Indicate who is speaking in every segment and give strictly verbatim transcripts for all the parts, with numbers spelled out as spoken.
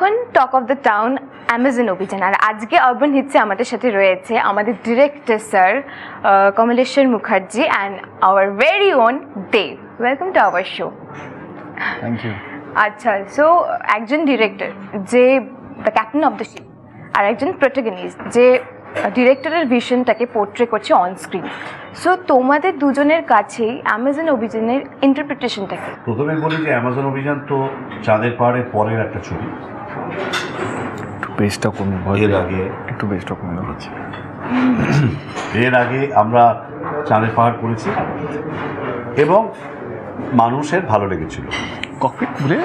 Speaker 1: এখন talk of the town Amazon অভিযান, আর আজকে আরবান হিটসে আমাদের সাথে রয়েছে আমাদের director sir Kamaleshwar Mukherjee and our very own Dev. Welcome to our show.
Speaker 2: Thank you.
Speaker 1: আচ্ছা, সো একজন ডিরেক্টর যে the captain of the ship, আর একজন প্রোটাগনিস্ট যে ডিরেক্টরের ভিশনটাকে পোর্ট্রে করছে অন স্ক্রিন। সো তোমাদের দুজনের কাছেই অ্যামাজন অভিযানের ইন্টারপ্রিটেশনটা কি?
Speaker 3: প্রথমে বলি যে অ্যামাজন অভিযান তো চাঁদের পাহাড়ের পরের একটা ছবি।
Speaker 2: একটু বেসটা কমে
Speaker 3: এর আগে
Speaker 2: একটু বেসটা কমে যাচ্ছে।
Speaker 3: এর আগে আমরা চাঁদের পাহাড় করেছি এবং মানুষের ভালো লেগেছিল।
Speaker 2: ককপিট বলে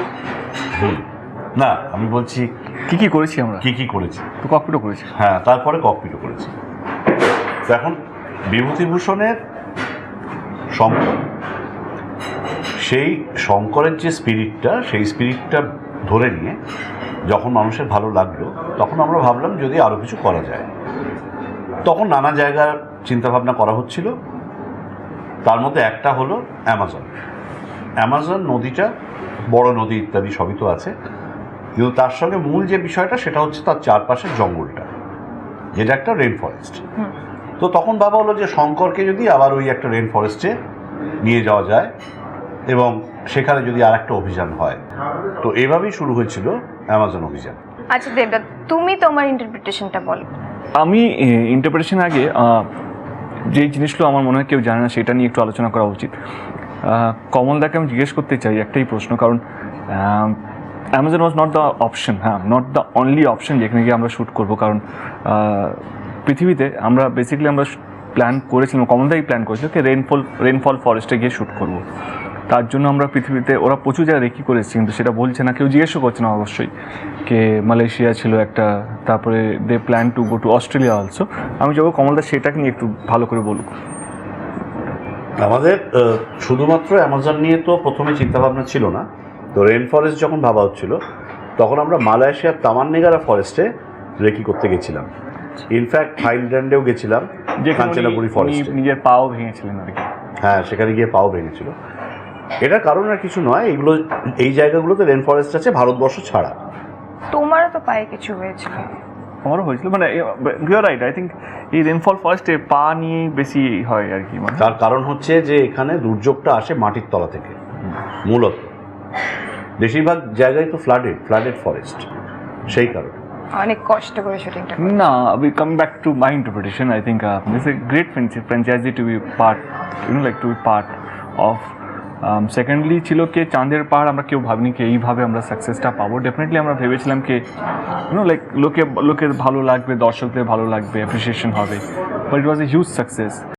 Speaker 3: না, আমি বলছি
Speaker 2: কি কি করেছি আমরা,
Speaker 3: কি কি করেছি।
Speaker 2: তো ককপিটও করেছি।
Speaker 3: হ্যাঁ, তারপরে ককপিটও করেছি। তো এখন বিভূতিভূষণের শঙ্কর, সেই শঙ্করের যে স্পিরিটটা, সেই স্পিরিটটা ধরে নিয়ে যখন মানুষের ভালো লাগলো, তখন আমরা ভাবলাম যদি আরও কিছু করা যায়। তখন নানা জায়গার চিন্তাভাবনা করা হচ্ছিল, তার মধ্যে একটা হলো অ্যামাজন। অ্যামাজন নদীটা বড় নদী ইত্যাদি সবই তো আছে, কিন্তু তার সঙ্গে মূল যে বিষয়টা সেটা হচ্ছে তার চারপাশের জঙ্গলটা, যেটা একটা রেন ফরেস্ট। তো তখন ভাবা হলো যে শঙ্করকে যদি আবার ওই একটা রেন ফরেস্টে নিয়ে যাওয়া যায় এবং সেখানে যদি আর একটা অভিযান হয়, তো এভাবেই শুরু হয়েছিল অ্যামাজন অভিযান।
Speaker 1: আচ্ছা দেবদা, তুমি তোমার ইন্টারপ্রিটেশনটা বলো।
Speaker 2: আমি ইন্টারপ্রিটেশন আগে যে জিনিসগুলো আমার মনে হয় কেউ জানে না সেটা নিয়ে একটু আলোচনা করা উচিত। কমলদাকে আমি জিজ্ঞেস করতে চাই একটাই প্রশ্ন, কারণ Amazon was not the option, হ্যাঁ নট দ্য অনলি অপশন যেখানে গিয়ে আমরা শ্যুট করবো। কারণ পৃথিবীতে আমরা বেসিক্যালি আমরা প্ল্যান করেছিলাম, কমলদাই প্ল্যান করেছিল কি রেনফল রেনফল ফরেস্টে গিয়ে শ্যুট করবো। তার জন্য আমরা পৃথিবীতে ওরা প্রচুর জায়গায় রেকি করেছি, কিন্তু সেটা বলছে না, কেউ জিজ্ঞেসও করছে না অবশ্যই। কে মালয়েশিয়া ছিল একটা, তারপরে they plan to go to Australia also. আমি যাবো কমলদা সেটাকে নিয়ে একটু ভালো করে বলুক।
Speaker 3: আমাদের শুধুমাত্র অ্যামাজন নিয়ে তো প্রথমে চিন্তাভাবনা ছিল না। তো রেন ফরেস্ট যখন ভাবা হচ্ছিল, তখন আমরা মালয়েশিয়ার তামান্নেগারা ফরেস্টে রেকি করতে গেছিলাম। ইনফ্যাক্ট থাইল্যান্ডেও গেছিলাম, যে কাঞ্চনাপুরি ফরেস্টে
Speaker 2: নিজের পাও ভেঙেছিলেন আর কি।
Speaker 3: হ্যাঁ, সেখানে গিয়ে পাও ভেঙেছিল। এটার কারণ আর কিছু নয়, এগুলো এই জায়গাগুলোতে রেন ফরেস্ট আছে ভারতবর্ষ ছাড়া।
Speaker 1: তোমারও তো পায়ে কিছু হয়েছিল।
Speaker 2: আমারও হয়েছিল, মানে ইউর রাইট। আই থিঙ্ক এই রেনফল ফরেস্টে পা নিয়ে বেশি হয় আর কি। মানে
Speaker 3: তার কারণ হচ্ছে যে এখানে দুর্যোগটা আসে মাটির তলা থেকে। মূলত বেশিরভাগ জায়গায় তো ফ্লাডেড ফ্লাডেড ফরেস্ট, সেই কারণে
Speaker 1: অনেক কষ্ট করে শুটিংটা।
Speaker 2: না, we come back to my interpretation. I think uh, it's a great franchisee to be part, you know, like to be part of. Secondly ছিল কে চাঁদের পাহাড় আমরা কেউ ভাবিনি কি এইভাবে আমরা সাকসেসটা পাবো। ডেফিনেটলি আমরা ভেবেছিলাম কি ইউনো লাইক লোকে লোকের ভালো লাগবে, দর্শকদের ভালো লাগবে, অ্যাপ্রিসিয়েশন হবে, but it was a huge success.